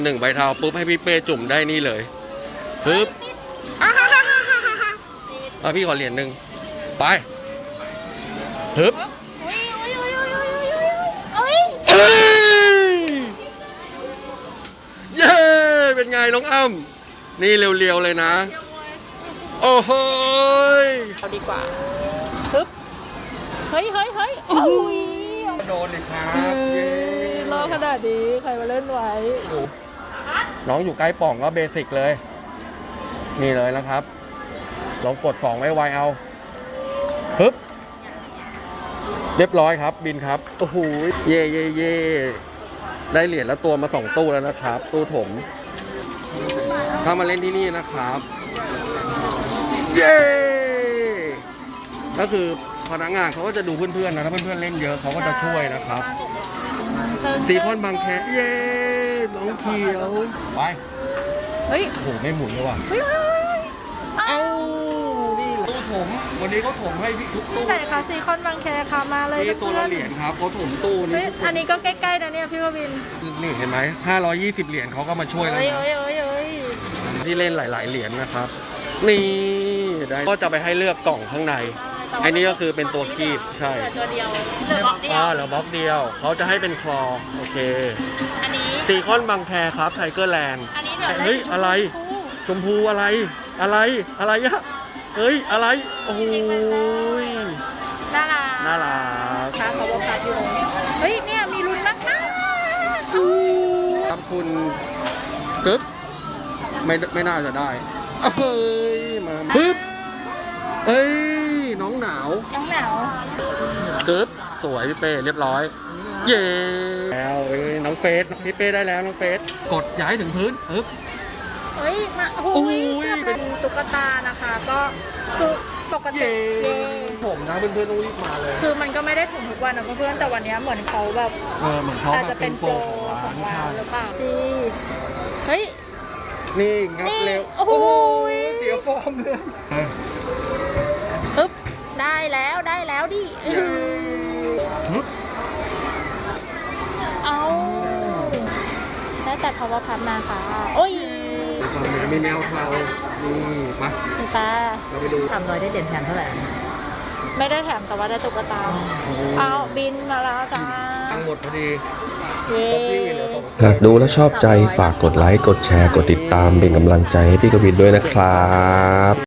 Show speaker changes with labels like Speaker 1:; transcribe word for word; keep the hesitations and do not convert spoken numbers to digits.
Speaker 1: หนึ่งใบเทาปุ๊บให้พี่เป้จุ่มได้นี่เลยปึ๊บอ่ะพี่ขอเหรียญหนึ่งไปปึ๊บเย้เป็นไงน้องอ้ำนี่เรียวๆเลยนะโอ้โห
Speaker 2: เอาดีกว่าปึ๊บเฮ้ยเฮ้ยเฮ้ยโอ้ย
Speaker 1: โดนเลยครับ
Speaker 2: รอขนาดนี้ใครมาเล่นไว้
Speaker 1: น้องอยู่ใกล้ป่องก็เบสิกเลยนี่เลยนะครับลองกดสองไว้ไวเอาปึ๊บเรียบร้อยครับบินครับโอ้โหเย่เย่เย่ได้เหรียญแล้วตัวมาสองตู้แล้วนะครับตู้ถมถ้ามาเล่นที่นี่นะครับเย้ก็คือพนักงานเขาก็จะดูเพื่อนๆนะถ้าเพื่อนๆเล่นเยอะเขาก็จะช่วยนะครับซีคอนบางแคเย้น้องเขียวไป
Speaker 2: เฮ้ย
Speaker 1: โหไม่หมุนเลยว่ะเอ้านี่ตู้ถมวันนี้เขาถมให้พี่ทุกตู้
Speaker 2: ไหนคะซีคอนบางแคค่ะมาเลย
Speaker 1: นี่ตัวละเหรียญครับเขาถมตู้นี้
Speaker 2: อันนี้ก็ใกล้ๆนะเนี่ยพี่ววิน
Speaker 1: นี่เห็นไหมห้าร้อยยี่สิบเหรียญเขาก็มาช่วยแล้วนะที่เล่นหลายๆเหรียญนะครับนี่ได้ก็จะไปให้เลือกกล่องข้างในอันนี้ก็คือเป็นตัวคีบใช่
Speaker 2: ตัวเดียวเหลือบล็อกเดียว
Speaker 1: เหลือบล็อกเดียวเขาจะให้เป็นคลอโอเคอันนี้ซีคอนบางแคครับไทเกอร์แลนด์
Speaker 2: อันนี้เหลือ
Speaker 1: เฮ้ยอะไรชมพูอะไรอะไรอะไรอะเฮ้ยอะไรโอ้ย
Speaker 2: น่ารัก
Speaker 1: น่ารัก
Speaker 2: ค่ะเขาบอกคัดอยู่เฮ้ยเนี่ยมีลุ้นมากนะ
Speaker 1: ครับคุณกึ๊บไม่ไม่น่าจะได้เฮ้ยมาปึ๊บเอ้ยน้องหนาว
Speaker 2: น้องหนาว
Speaker 1: กึ๊บสวยพี่เป้เรียบร้อยเย้แล้วเอ้ยน้องเฟสพี่เป้ได้แล้วน้องเฟสกดย้ายถึงพื้นปึ๊บ
Speaker 2: เฮ้ยมาโอ้ยเป็นตุ๊กตานะคะก็คือปกติ
Speaker 1: ผมนะเพื่อนๆต้องรีบมาเลย
Speaker 2: คือมันก็ไม่ได้ถมทุกวันนะเพื่อนแต่วันนี้เหมือนเขาแบบ
Speaker 1: เออเหมือนเขาอาจจะเป็นโปร
Speaker 2: ของร้านหรือเปล่าจีเฮ้ย
Speaker 1: นี่งับเร็ว
Speaker 2: โอ้โห
Speaker 1: เสียฟอร์มเลย
Speaker 2: ปึ๊บได้แล้วได้แล้วดิเอาได้แต่ power pump มาค่ะโอ้ย
Speaker 1: มีแมวเขานี่มา
Speaker 2: ตา
Speaker 1: เราไปดู
Speaker 3: สามร้อยได้เหรียญแถมเท่าไหร่
Speaker 2: ไม่ได้แถมแต่ว่าได้ตุ๊กตาเอาบินมาแล้วจ้า
Speaker 1: ตังหมดพอดี
Speaker 4: หากดูแล้วชอบใจฝากกดไลค์กดแชร์กดติดตามเป็นกำลังใจให้พี่กวินด้วยนะครับ